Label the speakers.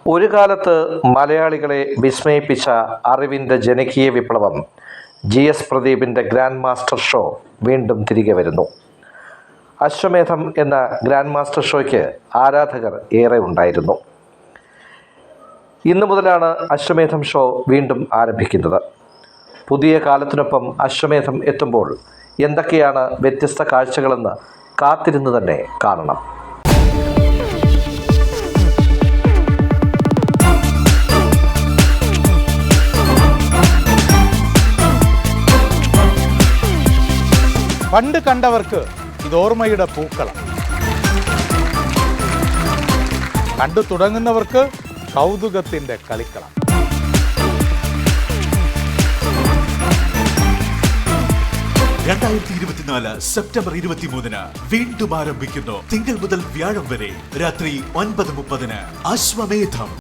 Speaker 1: ഒരു കാലത്ത് മലയാളികളെ വിസ്മയിപ്പിച്ച അറിവിൻ്റെ ജനകീയ വിപ്ലവം GS പ്രദീപിൻ്റെ ഗ്രാൻഡ് മാസ്റ്റർ ഷോ വീണ്ടും തിരികെ വരുന്നു. അശ്വമേധം എന്ന ഗ്രാൻഡ് മാസ്റ്റർ ഷോയ്ക്ക് ആരാധകർ ഏറെ ഉണ്ടായിരുന്നു. ഇന്നു മുതലാണ് അശ്വമേധം ഷോ വീണ്ടും ആരംഭിക്കുന്നത്. പുതിയ കാലത്തിനൊപ്പം അശ്വമേധം എത്തുമ്പോൾ എന്തൊക്കെയാണ് വ്യത്യസ്ത കാഴ്ചകളെന്ന് കാത്തിരുന്ന് തന്നെ കാണണം.
Speaker 2: പണ്ട് കണ്ടവർക്ക് ഇതോർമ്മയുടെ പൂക്കളം, കണ്ടു തുടങ്ങുന്നവർക്ക് കൗതുകത്തിന്റെ കളിക്കളം.
Speaker 3: സെപ്റ്റംബർ 23 വീണ്ടും ആരംഭിക്കുന്നു. തിങ്കൾ മുതൽ വ്യാഴം വരെ രാത്രി 9:30 അശ്വമേധം.